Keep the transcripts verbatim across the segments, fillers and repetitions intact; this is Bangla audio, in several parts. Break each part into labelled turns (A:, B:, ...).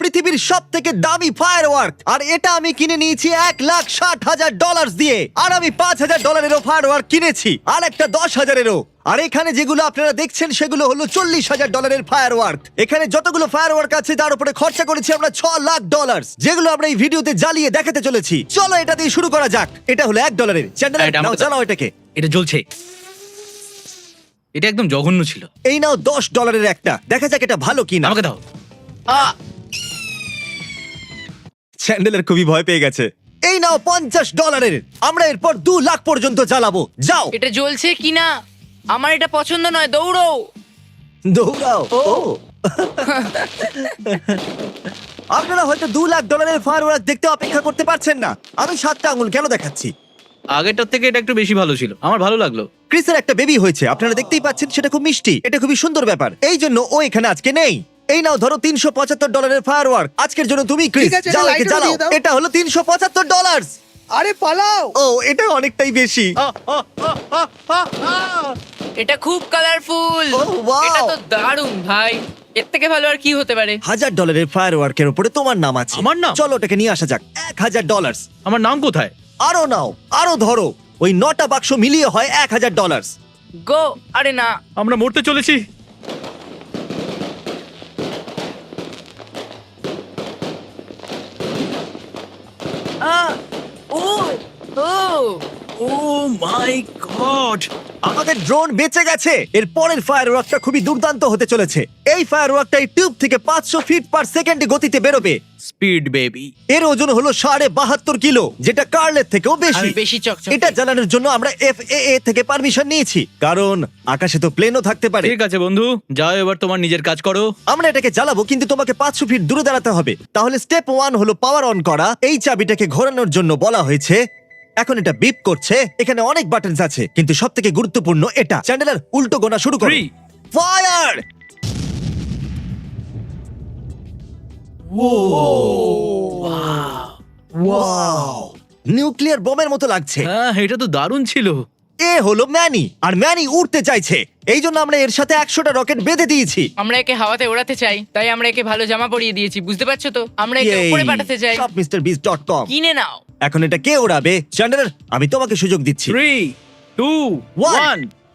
A: পৃথিবীর সব থেকে দামি ফায়ারওয়ার্ক, আর এটা আমি কিনে নিয়েছি এক লাখ ষাট হাজার ডলার দিয়ে। আর আমি পাঁচ হাজার ডলারেরও ফায়ারওয়ার্ক কিনেছি, আর একটা দশ হাজারেরও। আর এখানে যেগুলো আপনারা দেখছেন সেগুলো হলো চল্লিশ হাজার ডলারের ফায়ারওয়ার্ক। এখানে যতগুলো ফায়ারওয়ার্ক আছে তার উপরে খরচা করেছি আমরা ছ লাখ ডলার, যেগুলো আমরা এই ভিডিওতে জ্বালিয়ে দেখাতে চলেছি। চলো এটা দিয়ে শুরু করা যাক। এটা হলো এক ডলারের। চ্যান্ডেলার,
B: এটা
A: নাও
B: আমাকে-
A: চালাও এটাকে।
B: এটা জ্বলছে। এটা একদম জঘন্য ছিল।
A: এই নাও দশ ডলারের একটা, দেখা যাক এটা ভালো কিনা।
B: আমাকে দাও।
A: চ্যান্ডেলার খুবই ভয় পেয়ে গেছে। এই নাও পঞ্চাশ ডলারের। আমরা এরপর দু লাখ পর্যন্ত জ্বালাবো। যাও
C: এটা জ্বলছে কিনা আমার এটা পছন্দ নয়, দৌড়ো।
A: দৌড়াও। ও আপনারা হয়তো দু লাখ ডলারের ফায়ারওয়ার্ক দেখতে অপেক্ষা করতে পারছেন না। আমি সাতটা আঙুল কেন দেখাচ্ছি?
B: আগেরটার থেকে এটা একটু বেশি ভালো ছিল, আমার ভালো লাগলো।
A: ক্রিসের একটা বেবি হয়েছে, আপনারা দেখতেই পাচ্ছেন, সেটা খুব মিষ্টি। এটা খুবই সুন্দর ব্যাপার, এই জন্য ও এখানে আজকে নেই। এই নাও ধরো তিনশো পঁচাত্তর ডলারের ফায়ারওয়ার্ক আজকের জন্য তুমি, ক্রিস।
D: ঠিক আছে,
A: যাও
D: এটা
A: একে
D: লাইটারও
A: জ্বালাও।
D: দিয়ে দাও।
A: এটা হলো তিনশো পঁচাত্তর ডলার।
D: আরে পালাও।
A: ও এটা অনেকটাই বেশি।
C: এটা খুব কালারফুল।
A: Oh, wow!
C: এটা তো দারুণ ভাই, এর থেকে ভালো আর কি হতে পারে?
A: হাজার ডলারের ফায়ারওয়ার্কের উপরে তোমার নাম আছে।
B: আমার নাম?
A: চলো ওটাকে নিয়ে আসা যাক। এক হাজার ডলার।
B: আমার নাম কোথায়?
A: আরো নাও, আরো ধরো। ওই নটা বাক্স মিলিয়ে হয় এক হাজার ডলার।
C: গো। আরে না,
B: আমরা মরতে চলেছি।
C: আ ও ও
B: ও মাই গড!
A: আমাদের ড্রোন বেঁচে গেছে। এর পরের ফায়ারওয়ার্কটা খুবই দুর্দান্ত হতে চলেছে। এই ফায়ারওয়ার্কটা এই টিউব থেকে পাঁচশো ফিট পার সেকেন্ডে গতিতে বেরোবে।
B: Speed baby.
A: এর ওজন হলো সাড়ে বাহাত্তর কিলো, যেটা কার্লের থেকেও বেশি।
C: আমি বেশি চকচকে।
A: এটা চালানোর জন্য আমরা এফ এ এ থেকে পারমিশন নিয়েছি, কারণ আকাশে তো প্লেনও থাকতে পারে।
B: ঠিক আছে বন্ধু, যাও এবার তোমার নিজের কাজ করো।
A: আমরা এটাকে জ্বালাবো, কিন্তু তোমাকে পাঁচশো ফিট দূরে দাঁড়াতে হবে। তাহলে স্টেপ ওয়ান হলো পাওয়ার অন করা। এই চাবিটাকে ঘোরানোর জন্য বলা হয়েছে। এখন এটা বিপ করছে। এখানে অনেক বাটনস আছে, কিন্তু সব থেকে গুরুত্বপূর্ণ এটা। চ্যান্ডেলার, উল্টো গোনা শুরু করো।
B: Three.
A: ফায়ার! ওয়াও! নিউক্লিয়ার বোমের মতো লাগছে।
B: হ্যাঁ, এটা তো দারুণ ছিল।
A: এ হলো ম্যানি, আর ম্যানি উড়তে চাইছে। এই জন্য আমরা এর সাথে একশোটা রকেট বেঁধে দিয়েছি।
C: আমরা একে হাওয়াতে ওড়াতে চাই, তাই আমরা একে ভালো জামা পরিয়ে দিয়েছি, বুঝতে পারছো তো? আমরা একে
A: Yay!
C: উপরে পাঠাতে চাই।
A: সব মিস্টার বিস ডট কম।
C: কিনে নাও।
A: এখন এটা কে ওড়াবে? চ্যান্ডেলার, আমি তোমাকে সুযোগ দিচ্ছি।
B: Three, two,
A: One.
B: ওয়ান।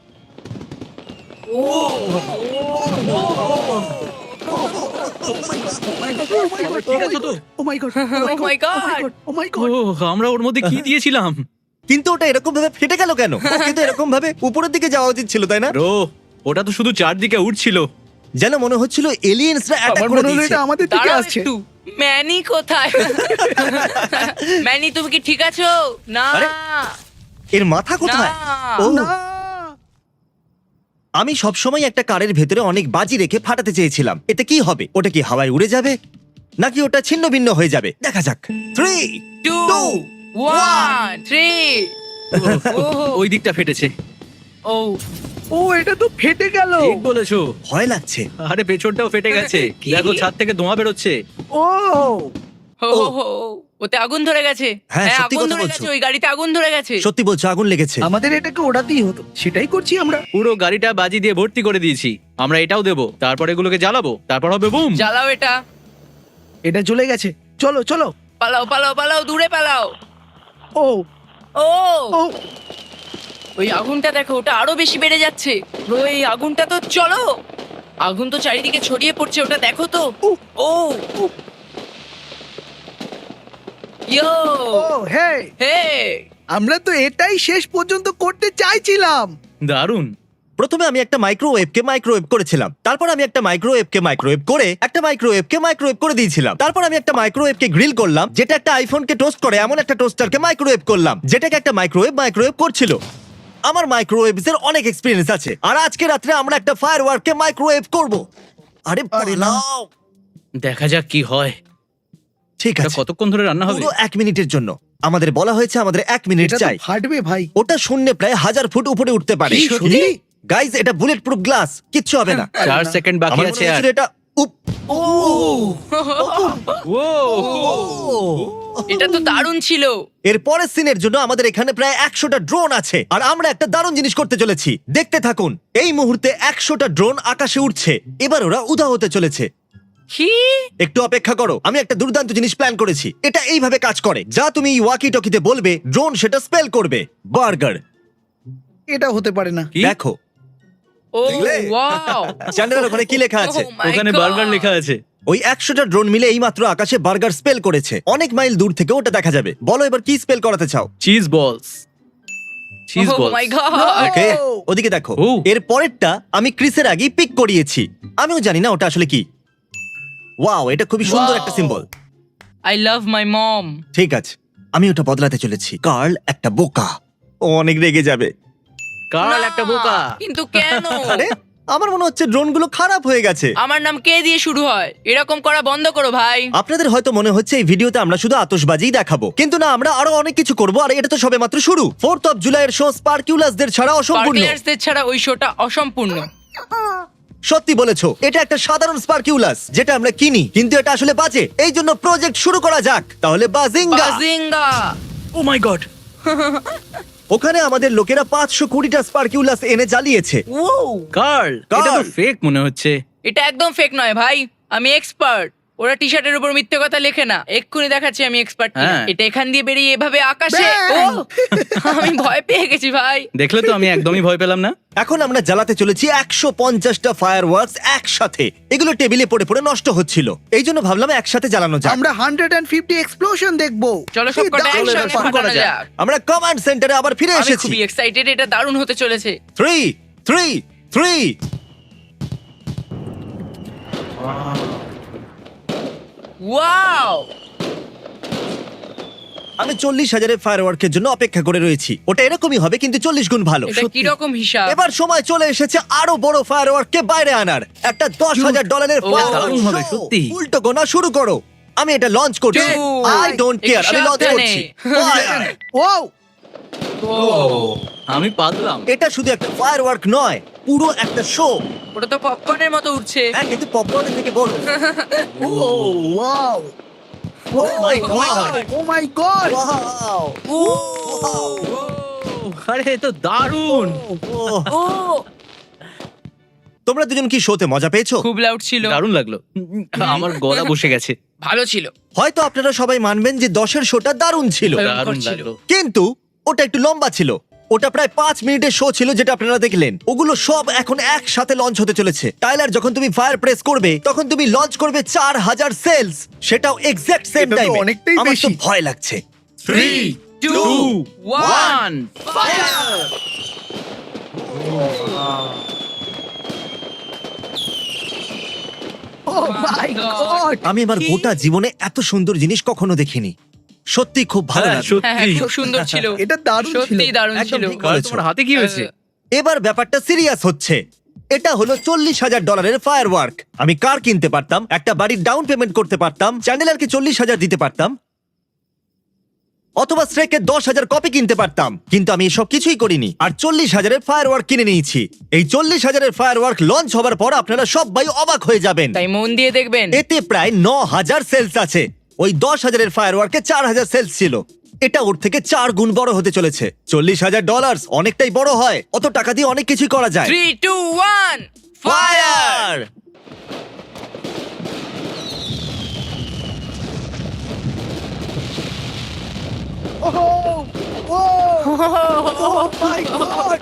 B: ঠিক আছে তো?
D: Oh my God.
C: Oh my God!
D: Oh my
B: oh,
D: God.
B: আমরা ওর মধ্যে কি দিয়েছিলাম?
A: কিন্তু ওটা এরকম ভাবে ফেটে গেল কেন? কিন্তু এরকম ভাবে উপরের দিকে যাওয়া উচিত ছিল, তাই না?
B: রো, ওটা তো শুধু চারদিকে উঠছিল।
A: যেন মনে হচ্ছিল এলিয়েন্সরা অ্যাটাক
D: আমার
A: করে
D: মনে হলো
A: দিয়েছে।
D: এটা আমাদের দিকে
C: দাঁড়াও
D: আসছে।
C: একটু। ম্যানি কোথায়? ম্যানি তুমি কি ঠিক আছো? না
A: আরে, এর মাথা কোথায়?
C: না।
A: ও,
D: না।
A: আমি সবসময় একটা কারের ভেতরে অনেক বাজি রেখে ফাটাতে চেয়েছিলাম। এতে কি হবে? ওটা কি হাওয়ায় উড়ে যাবে, নাকি ওটা ছিন্ন ভিন্ন হয়ে যাবে? দেখা যাক। Three,
C: two
A: two,
C: one three.
B: ওই দিকটা ফেটেছে।
C: ও
D: ও এটা তো ফেটে গেল।
B: ঠিক বলেছো।
A: ভয় লাগছে।
B: আরে পেছনটাও ফেটে গেছে।
C: কি?
B: দেখো, ছাদ থেকে ধোঁয়া বেরোচ্ছে।
D: ও
C: হো হো হো, ওতে আগুন ধরে গেছে।
A: হ্যাঁ,
C: হ্যাঁ,
A: সত্যি
C: আগুন
A: কথা
C: ধরে
A: বলছো।
C: গেছে, ওই গাড়িতে আগুন ধরে গেছে।
A: সত্যি বলছো, আগুন লেগেছে।
D: আমাদের এটাকে ওড়াতেই হতো, সেটাই করছি আমরা।
B: পুরো গাড়িটা বাজি দিয়ে ভর্তি করে দিয়েছি। আমরা এটাও দেবো, তারপর এগুলোকে জ্বালাবো, তারপর হবে বুম।
C: জ্বালাও এটা।
D: এটা জ্বলে গেছে। চলো চলো।
C: পালাও পালাও পালাও, দূরে পালাও।
D: ও
C: ও
D: ও
C: ওই আগুনটা দেখো, ওটা আরো বেশি বেড়ে যাচ্ছে। ওই আগুনটা তো, চলো। আগুন তো চারিদিকে ছড়িয়ে পড়ছে, ওটা দেখো তো।
D: উহ।
C: ও ইয়ো
D: ও হে,
C: হে
D: আমরা তো এটাই শেষ পর্যন্ত করতে চাইছিলাম।
B: দারুণ।
A: প্রথমে আমি একটা মাইক্রোওয়েভকে মাইক্রোওয়েভ করেছিলাম, তারপর আমি একটা মাইক্রোওয়েভকে মাইক্রোওয়েভ করে একটা মাইক্রোওয়েভকে মাইক্রোওয়েভ করে দিয়েছিলাম, তারপর আমি একটা মাইক্রোওয়েভকে গ্রিল করলাম, যেটা একটা আইফোনকে টোস্ট করে এমন একটা টোস্টারকে মাইক্রোওয়েভ করলাম, যেটাকে একটা মাইক্রোওয়েভ মাইক্রোওয়েভ করছিল। আমার মাইক্রোওয়েভস এর অনেক এক্সপেরিয়েন্স আছে, আর আজকে রাত্রে আমরা একটা ফায়ারওয়ার্ককে মাইক্রোওয়েভ করব। আরে
D: আরে না।
A: পালাও।
B: দেখা যাক কি হয়।
A: ঠিক
B: এটা
A: আছে,
B: কতক্ষণ ধরে রান্না হবে?
A: পুরো এক মিনিটের জন্য। আমাদের বলা হয়েছে আমাদের এক মিনিট
D: এটা তো
A: চাই।
D: ফাটবে ভাই।
A: ওটা শূন্যে প্রায় হাজার ফুট উপরে উঠতে পারে।
D: কি, সত্যি?
A: গাইজ, এটা বুলেট প্রুফ গ্লাস, কিচ্ছু হবে না।
B: চার সেকেন্ড বাকি
A: আমার মনে
B: আছে আর।
A: হয়েছিল এটা উপ।
B: ও
C: এটা তো দারুণ ছিল।
A: এর পরের সিনের জন্য আমাদের এখানে প্রায় একশোটা ড্রোন আছে, আর আমরা একটা দারুণ জিনিস করতে চলেছি। দেখতে থাকুন। এই মুহূর্তে একশোটা ড্রোন আকাশে উঠছে। এবার ওরা উধাও হতে চলেছে।
C: কি?
A: একটু অপেক্ষা করো, আমি একটা দুর্দান্ত জিনিস প্ল্যান করেছি। এটা এইভাবে কাজ করে, যা তুমি ওয়াকি টকিতে বলবে ড্রোন সেটা স্পেল করবে। বার্গার।
D: এটা হতে পারে না।
B: কি?
A: দেখো
C: ও
A: দেখলে?
C: ওয়াও।
A: চ্যানেলের ওখানে কি লেখা আছে?
C: Oh my
B: ওখানে
C: God!
B: বার্গার লেখা আছে।
A: ওই একশোটা ড্রোন মিলে এইমাত্র আকাশে বার্গার স্পেল করেছে। অনেক মাইল দূর থেকে ওটা দেখা যাবে। বলো এবার কি স্পেল করাতে চাও?
B: Cheese balls. Cheese
C: Oh
B: balls.
C: my God!
A: Okay, ওদিকে দেখো।
B: ও।
A: এর পরেরটা আমি ক্রিসের আগেই পিক করিয়েছি। আমিও জানি না ওটা আসলে কি। ওয়াও, এটা খুবই সুন্দর
C: Wow!
A: একটা symbol.
C: I love my mom.
A: ঠিক আছে, আমি ওটা বদলাতে চলেছি। কার্ল একটা বোকা, ও অনেক রেগে যাবে।
B: কার্ল
C: না,
B: একটা বোকা।
C: কিন্তু কেন?
A: আরে আমার মনে হচ্ছে ড্রোনগুলো খারাপ হয়ে গেছে।
C: আমার নাম কে দিয়ে শুরু হয়? এরকম করা বন্ধ করো ভাই।
A: আপনাদের হয়তো মনে হচ্ছে এই ভিডিওতে আমরা শুধু আতশবাজিই দেখাবো, কিন্তু না, আমরা আরো অনেক কিছু করব। আর এটা তো সবেমাত্র শুরু। ফোর্থ অফ জুলাইয়ের শো স্পার্কিউলাসদের ছাড়া অসম্পূর্ণ।
C: স্পার্কলার্সদের ছাড়া ওই শোটা অসম্পূর্ণ।
A: সত্যি বলেছো, এটা একটা সাধারণ স্পার্কিউলাস যেটা আমরা কিনি, কিন্তু এটা আসলে বাজে। এই জন্য প্রজেক্ট শুরু করা যাক। তাহলে বাজিঙ্গা।
C: বাজিঙ্গা।
B: ও মাই গড।
A: ওখানে আমাদের লোকেরা পাঁচশো কুড়িটা স্পার্কিউলাস এনে জ্বালিয়েছে।
C: ও,
B: কার্ল, এটা তো
A: কার্ল।
B: ফেক মনে হচ্ছে।
C: এটা একদম ফেক নয় ভাই, আমি এক্সপার্ট। ওরা টি শার্টের উপর মিথ্যে কথা লেখে না। এক্ষুনি দেখাচ্ছি আমি এক্সপার্ট।
B: হ্যাঁ।
C: এটা এখান দিয়ে বেরিয়ে এভাবে আকাশে। ও,
D: Bang!
C: আমি ভয় পেয়ে গেছি ভাই।
B: দেখলে তো আমি একদমই ভয় পেলাম না।
A: এখন আমরা জ্বালাতে চলেছি একশো পঞ্চাশটা ফায়ার ওয়ার্কস একসাথে। এগুলো টেবিলে পড়ে পড়ে নষ্ট হচ্ছিল, এই জন্য ভাবলাম একসাথে জ্বালানো যাক।
D: আমরা হান্ড্রেড অ্যান্ড ফিফটি এক্সপ্লোশন দেখবো।
C: চলো
D: কি
C: সবকটা
D: দারুণ
C: একসঙ্গে
D: ব্যাপার।
C: ফাটানো যাক।
A: আমরা কমান্ড সেন্টারে আবার ফিরে
C: আমি
A: এসেছি।
C: খুবই এক্সাইটেড, এটা দারুণ হতে চলেছে।
A: Three three three
C: wow!
A: আমি চল্লিশ হাজারের ফায়ার ওয়ার্কের জন্য অপেক্ষা করে রয়েছি। ওটা এরকমই হবে, কিন্তু চল্লিশ গুণ ভালো।
C: এটা কি রকম হিসাব?
A: এবার সময় চলে এসেছে আরো বড় ফায়ার ওয়ার্ককে বাইরে আনার। একটা দশ হাজার ডলারের
C: ও,
B: দারুণ হবে, সত্যি।
A: উল্টো গোনা শুরু করো। আমি এটা লঞ্চ করছি।
C: Dude,
A: আই ডোন্ট কেয়ার, আমি
C: একটু
A: লঞ্চ
C: সাবধানে।
A: করছি। Fire!
D: ওয়াও,
B: আমি পাতলাম।
A: এটা শুধু একটা ফায়ার ওয়ার্ক নয়, পুরো একটা শো।
C: ওটা তো পপকর্নের মতো উঠছে।
A: হ্যাঁ, কিন্তু পপকর্নের থেকে বড়।
D: Oh wow,
A: oh my God,
D: oh my God.
A: Wow,
C: oh,
B: আরে এ তো দারুণ।
C: ও,
A: তোমরা দুজন কি শোতে মজা পেয়েছো?
C: খুব লাউড ছিল।
B: দারুণ লাগলো। আমার গলা বসে গেছে।
C: ভালো ছিল।
A: হয়তো আপনারা সবাই মানবেন যে দশের শোটা দারুণ ছিল,
C: ভয়ঙ্কর
B: দারুণ
C: ছিল।
B: লাগলো।
A: কিন্তু ওটা একটু লম্বা ছিল। ওটা প্রায় পাঁচ মিনিটের শো ছিল যেটা আপনারা দেখলেন। ওগুলো সব এখন একসাথে লঞ্চ হতে চলেছে। টাইলার, যখন তুমি ফায়ার প্রেস করবে তখন তুমি লঞ্চ করবে চার হাজার সেলস, সেটাও এক্সাক্ট সেম
D: এটা তো
A: টাইমে।
D: অনেকটাই
A: আমার তো
D: বেশি।
A: ভয় লাগছে।
B: Three, two, one,
C: fire!
D: Oh my God.
A: আমি আমার গোটা জীবনে এত সুন্দর জিনিস কখনো দেখিনি। সত্যি খুব ভালো
B: হ্যাঁ,
A: লাগলো।
C: হ্যাঁ, হ্যাঁ,
B: সত্যি।
C: খুব সুন্দর ছিল।
D: এটা দারুণ ছিল।
C: সত্যি দারুণ
A: একদম
C: ছিল।
A: ঠিক।
B: কার্ল, তোমার হাতে কি হয়েছে?
A: এবার ব্যাপারটা সিরিয়াস হচ্ছে। এটা হলো চল্লিশ হাজার ডলারের ফায়ার ওয়ার্ক। আমি কার কিনতে পারতাম, একটা বাড়ির ডাউন পেমেন্ট করতে পারতাম, চ্যান্ডেলারকে চল্লিশ হাজার দিতে পারতাম, অথবা স্ট্রেকের দশ হাজার কপি কিনতে পারতাম, কিন্তু আমি এসব কিছুই করিনি। আর চল্লিশ হাজারের ফায়ার ওয়ার্ক কিনে নিয়েছি। এই চল্লিশ হাজারের ফায়ার ওয়ার্ক লঞ্চ হবার পর আপনারা সবাই অবাক হয়ে যাবেন।
C: তাই মন দিয়ে দেখবেন।
A: এতে প্রায় ন হাজার সেলস আছে। ওই দশ হাজারের ফায়ার ওয়ার্কে চার হাজার সেলস ছিল। এটা ওর থেকে চার গুণ বড় হতে চলেছে। চল্লিশ হাজার ডলার অনেকটাই বড় হয়। অত টাকা দিয়ে অনেক কিছুই করা যায়।
C: Three two one fire!
A: Fire!
D: Oh oh oh my God.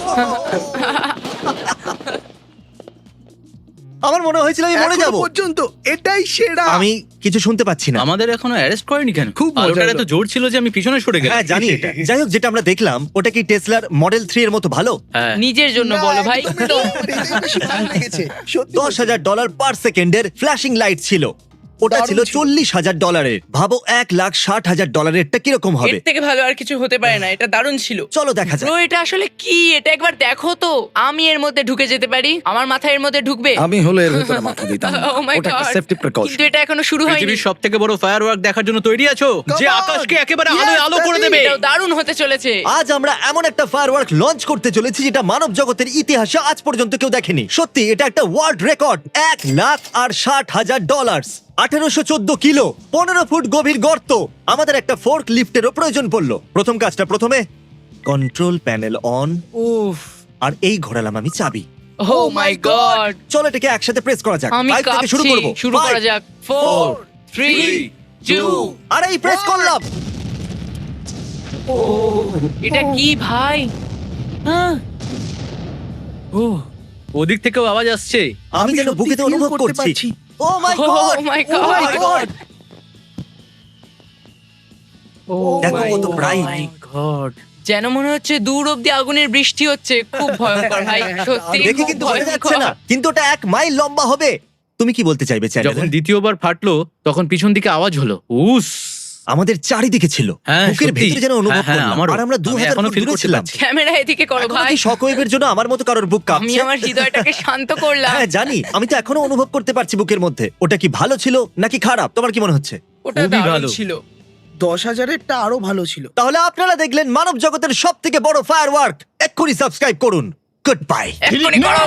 A: আমার মনে হয়েছিল আমি মরে যাব।
D: পর্যন্ত এটাই সেরা।
A: আমি কিছু শুনতে পাচ্ছি না।
B: আমাদের এখনো অ্যারেস্ট করেনি কেন?
D: খুব মজা
B: আলোটার
D: হলো।
B: এত জোর ছিল যে আমি পিছনে সরে গেলাম।
A: হ্যাঁ জানি এটা। যাই হোক, যেটা আমরা দেখলাম ওটা কি টেসলার মডেল থ্রি এর মতো ভালো?
B: হ্যাঁ।
C: নিজের জন্য
D: না,
C: বলো ভাই।
D: একদমই নয়, আমার এটাই বেশি ভালো লেগেছে। সত্যি
A: দশ হাজার ডলার পার সেকেন্ডের ফ্ল্যাশিং লাইট ছিল। ওটা
D: দারুণ
A: ছিল
D: ছিল।
A: চল্লিশ হাজার ডলারের। ভাবো এক লাখ ষাট হাজার ডলারেরটা কিরকম
C: এর
A: হবে।
C: থেকে ভালো আর কিছু হতে পারে না। এটা দারুণ ছিল।
A: চলো দেখা যাক।
C: ব্রো, এটা আসলে কি? এটা একবার দেখো তো। আমি এর মধ্যে ঢুকে যেতে পারি? আমার মাথা এর মধ্যে ঢুকবে?
E: আমি হলো এর ভেতরে মাথা দিতাম না।
C: Oh my
E: ওটা একটা
C: God!
E: Safety precaution.
C: কিন্তু এটা এখনো শুরু হয়নি।
B: পৃথিবীর সব থেকে বড় ফায়ার ওয়ার্ক দেখার জন্য তৈরি আছো? যে
D: Come on!
B: আকাশকে একেবারে
D: Yes,
B: আলোয় আলো করে
D: daddy!
B: দেবে।
C: এটাও দারুণ হতে চলেছে।
A: আজ আমরা এমন একটা ফায়ারওয়ার্ক লঞ্চ করতে চলেছি যেটা মানব জগতের ইতিহাসে আজ পর্যন্ত কেউ দেখেনি। সত্যি এটা একটা ওয়ার্ল্ড রেকর্ড। এক লাখ আর ষাট হাজার ডলার, আঠারোশো চোদ্দ কিলো, পনেরো ফুট গভীর গর্ত। আমাদের একটা ফোর্ক লিফটেরও প্রয়োজন পড়লো। প্রথম কাজটা প্রথমে কন্ট্রোল প্যানেল অন।
B: উফ।
A: আর এই ঘোরালাম আমি চাবি।
C: ও মাই গড
A: চলো এটাকে একসাথে প্রেস করা যাক
C: আমি
A: ফাইভ থেকে শুরু
C: কাঁপছি
A: করব
C: শুরু করা যাক ফোর থ্রি টু
A: আরে এই প্রেস করলাম
C: এটা কি ভাই হ্যাঁ
B: ও ওদিক থেকেও আওয়াজ আসছে।
A: আমি যেন
D: সত্যি
A: বুকেতে
D: feel
A: অনুভব
D: করতে
A: করছি
D: পারছি।
A: Oh my
C: Oh
A: God
C: my
A: oh my
C: God.
A: God
B: oh
A: দেখো কত bright।
B: মাই গড,
C: যেন মনে হচ্ছে দূর অব্দি আগুনের বৃষ্টি হচ্ছে খুব ভয়ঙ্কর ভাই সত্যি
A: দেখে
C: খুব
A: কিন্তু বোঝা যাচ্ছে
C: ভয়ঙ্কর।
A: না কিন্তু ওটা এক মাইল লম্বা হবে তুমি কি বলতে চাইবে
B: যখন
A: চ্যানেল
B: দ্বিতীয়বার ফাটলো তখন পিছন দিকে আওয়াজ হলো উস।
A: আমাদের চারিদিকে ছিল
B: হ্যাঁ,
A: বুকের
B: সত্যি।
A: ভেতরে যেন অনুভব
B: হ্যাঁ, হ্যাঁ,
A: করলাম
B: আমারও।
A: আর আমরা দু
B: আমি
A: হাজার
B: এখনো
A: ফুট
B: feel
A: দূরে
B: করতে
A: ছিলাম
B: পারছি।
C: ক্যামেরা এদিকে করো
A: এখনো
C: ভাই
A: কি শকওয়েভের জন্য আমার মতো কারোর বুক
C: আমি
A: কাঁপছে
C: আমার হৃদয়টাকে শান্ত করলাম
A: হ্যাঁ জানি আমি তো এখনো অনুভব করতে পারছি বুকের মধ্যে ওটা কি ভালো ছিল নাকি খারাপ তোমার কি মনে হচ্ছে
C: ওটা
B: খুবই
C: দারুণ
B: ভালো।
C: ছিল
D: দশ হাজারেরটা আরো ভালো ছিল।
A: তাহলে আপনারা দেখলেন মানব জগতের সব থেকে বড় ফায়ারওয়ার্ক এক্ষুনি সাবস্ক্রাইব করুন গুড বাই
C: এক্ষুনি করো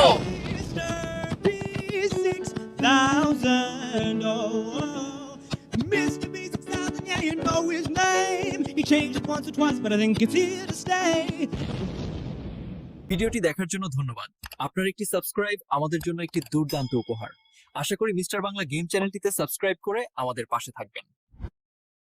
F: six thousand. Oh, Mister B six thousand, yeah, you know his name. He changed it once or twice, but I think it's here to stay.
G: ভিডিওটি দেখার জন্য ধন্যবাদ। আপনার একটি সাবস্ক্রাইব আমাদের জন্য একটি দুর্দান্ত উপহার। আশা করি মিস্টার বাংলা গেম চ্যানেলটিতে সাবস্ক্রাইব করে আমাদের পাশে থাকবেন।